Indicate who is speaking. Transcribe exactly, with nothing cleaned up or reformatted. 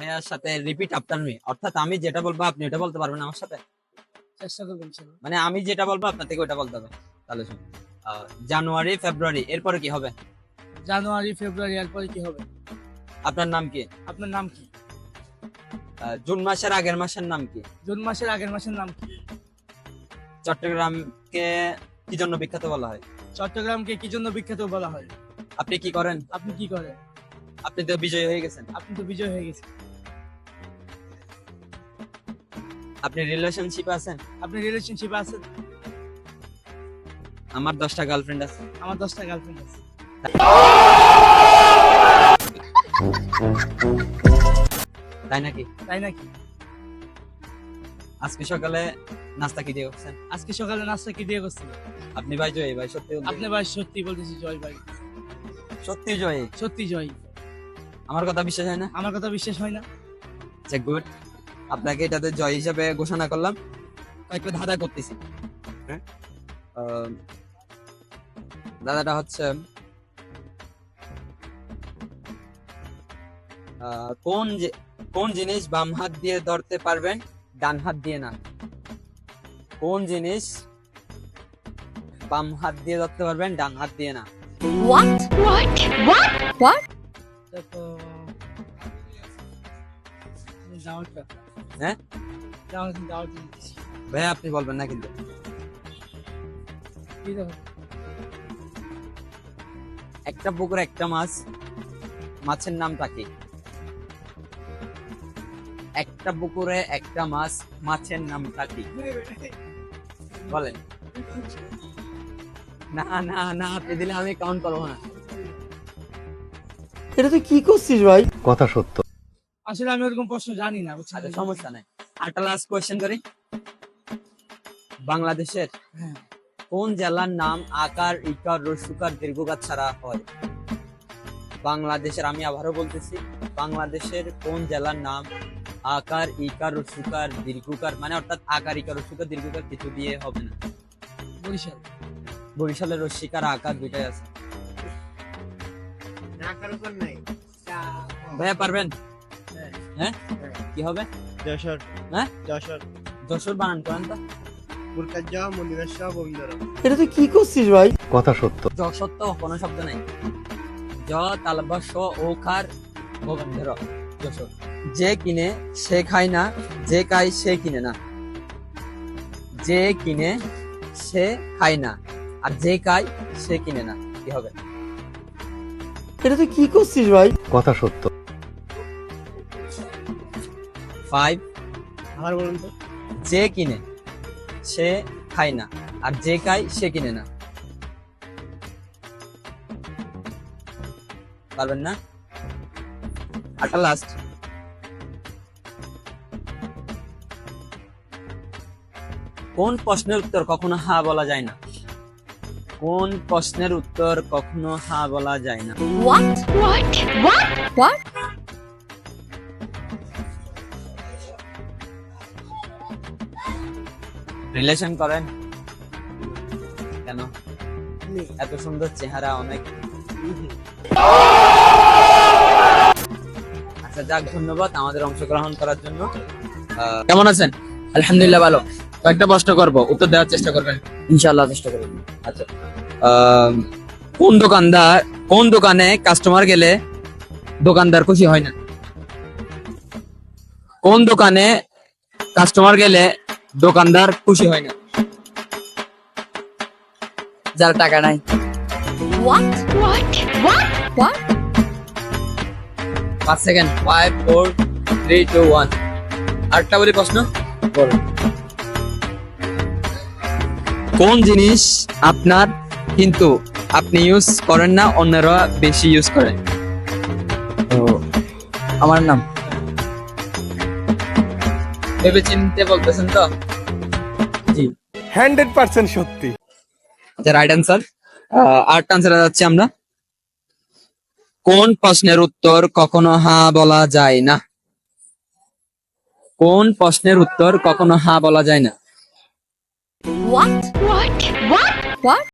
Speaker 1: ভাইয়ার সাথে repeat after me, অর্থাৎ আমি যেটা বলবো আপনি ওটা বলতে পারবেন আমার সাথে।
Speaker 2: চেষ্টা করবেন।
Speaker 1: মানে আমি যেটা বলবো আপনার থেকে ওটা বলতে হবে। তাহলে শুনুন, জানুয়ারি ফেব্রুয়ারি এরপরে কি হবে?
Speaker 2: জানুয়ারি ফেব্রুয়ারি এরপরে কি হবে?
Speaker 1: আপনার নাম কি?
Speaker 2: আপনার নাম কি?
Speaker 1: জুন মাসের আগের মাসের নাম কি?
Speaker 2: জুন মাসের আগের মাসের নাম কি?
Speaker 1: চট্টগ্রামকে কি জন্য বিখ্যাত বলা হয়?
Speaker 2: চট্টগ্রামকে কি জন্য বিখ্যাত বলা হয়?
Speaker 1: আপনি কি করেন?
Speaker 2: আপনি কি করেন?
Speaker 1: আপনি তো বিজয়ী হয়ে গেছেন।
Speaker 2: আপনি তো বিজয় হয়ে গেছেন।
Speaker 1: আপনি রিলেশনশিপে আছেন?
Speaker 2: আপনি রিলেশনশিপে আছেন?
Speaker 1: আমার দশটা গার্লফ্রেন্ড আছে।
Speaker 2: আমার দশটা গার্লফ্রেন্ড আছে।
Speaker 1: তাই নাকি?
Speaker 2: তাই নাকি?
Speaker 1: আজকে সকালে নাস্তা কি দিয়ে করছেন?
Speaker 2: আজকে সকালে নাস্তা কি দিয়ে করছিল?
Speaker 1: আপনি ভাই জয়ী ভাই, সত্যি বলতে-
Speaker 2: আপনি ভাই সত্যি বলতেছি জয় ভাই,
Speaker 1: সত্যি জয়ী।
Speaker 2: সত্যি জয়।
Speaker 1: আমার কথা বিশ্বাস হয় না?
Speaker 2: আমার কথা বিশ্বাস হয় না?
Speaker 1: আচ্ছা গুড, আপনাকে এটাতে জয় হিসেবে ঘোষণা করলাম। কয়েকটা ধাঁধা করতেছি। হ্যাঁ, আহ, দাদাটা হচ্ছে আহ, কোন যে- কোন জিনিস বাম হাত দিয়ে ধরতে পারবেন ডান হাত দিয়ে না? কোন জিনিস বাম হাত দিয়ে ধরতে পারবেন ডান হাত দিয়ে না?
Speaker 3: What? What? What? What?
Speaker 2: এটা তো দাওয়াতটা।
Speaker 1: হ্যাঁ?
Speaker 2: দাওয়াত দাওয়াত দিচ্ছি।
Speaker 1: ভাই আপনি বলবেন না কিন্তু।
Speaker 2: কি দেখো?
Speaker 1: একটা পুকুরে একটা মাছ, মাছের নামটা কি? একটা পুকুরে একটা মাছ, মাছের নামটা কি? বলেন। না না না, আপনি দিলে আমি কাউন্ট করবো না।
Speaker 4: এটা তুই কি করছিস ভাই? কথা সত্য।
Speaker 2: আসলে আমি ওরকম প্রশ্ন জানি না, বুঝছেন?
Speaker 1: আচ্ছা সমস্যা নাই, আরেকটা লাস্ট কোয়েশ্চেন করি। বাংলাদেশের
Speaker 2: হ্যাঁ।
Speaker 1: কোন জেলার নাম আকার ইকার রসুকার দীর্ঘকার ছাড়া হয়? বাংলাদেশের, আমি আবারও বলতেছি, বাংলাদেশের কোন জেলার নাম আকার ইকার রসুকার দীর্ঘকার, মানে অর্থাৎ আকার ইকার রসুকার দীর্ঘকার কিছু দিয়ে হবে না?
Speaker 2: বরিশাল।
Speaker 1: বরিশালের রসিকার আকার দুইটাই আছে। ভাইয়া পারবেন? হ্যাঁ, কি হবে?
Speaker 5: যশোর।
Speaker 1: হ্যাঁ?
Speaker 5: যশোর।
Speaker 1: যশোর বানান করেন তো।
Speaker 5: মুরকাজ্জা মনিরাশা বন্দর।
Speaker 4: এটা তুই কি করছিস ভাই? কথা সত্য।
Speaker 1: যশোর তো কোনো শব্দ নাই। জ তালবা স ওকার ভবন্ধের যশোর। যে কিনে সে খায় না, যে খায় সে কিনে না। যে কিনে সে খায় না, আর যে খায় সে কিনে না, কি হবে?
Speaker 4: এটা তুই কি করছিস ভাই? কথা সত্য।
Speaker 1: ফাইভ।
Speaker 5: আবার বলুন তো।
Speaker 1: যে কিনে সে খায় না, আর যে খায় সে কিনে না। পারবেন না? আটা লাস্ট। কোন প্রশ্নের উত্তর কখনো হা বলা যায় না? কোন প্রশ্নের উত্তর কখনো হা বলা যায় না?
Speaker 3: What? What? What? What?
Speaker 1: Relation করেন কেন? এত সুন্দর চেহারা, অনেক। আচ্ছা যাক, ধন্যবাদ আমাদের অংশগ্রহণ করার জন্য। আহ, কেমন আছেন?
Speaker 2: আলহামদুলিল্লাহ ভালো।
Speaker 1: কয়েকটা প্রশ্ন করব, উত্তর দেওয়ার চেষ্টা করবেন।
Speaker 2: ইনশাআল্লাহ চেষ্টা করব।
Speaker 1: আচ্ছা, আহ, কোন দোকানদার কোন দোকানে কাস্টমার গেলে দোকানদার খুশি হয় না? কোন দোকানে কাস্টমার গেলে দোকানদার খুশি হয় না?
Speaker 2: যার টাকা নাই।
Speaker 3: What? What? What? What?
Speaker 1: পাঁচ second. Five four three two one. আরেকটা বলি প্রশ্ন।
Speaker 2: বলো।
Speaker 1: কোন জিনিস আপনার কিন্তু আপনি ইউজ করেন না, অন্যরা বেশি ইউজ করেন?
Speaker 2: তো আমার নাম।
Speaker 1: ভেবে চিনতে বলতেছেন তো?
Speaker 2: জি।
Speaker 4: হান্ড্রেড পার্সেন্ট সত্যি।
Speaker 1: আচ্ছা রাইট অ্যান্সার। আরেকটা অ্যান্সার যাচ্ছে আমরা। কোন প্রশ্নের উত্তর কখনো হ্যাঁ বলা যায় না? কোন প্রশ্নের উত্তর কখনো হ্যাঁ বলা যায় না?
Speaker 3: What? What? What? What?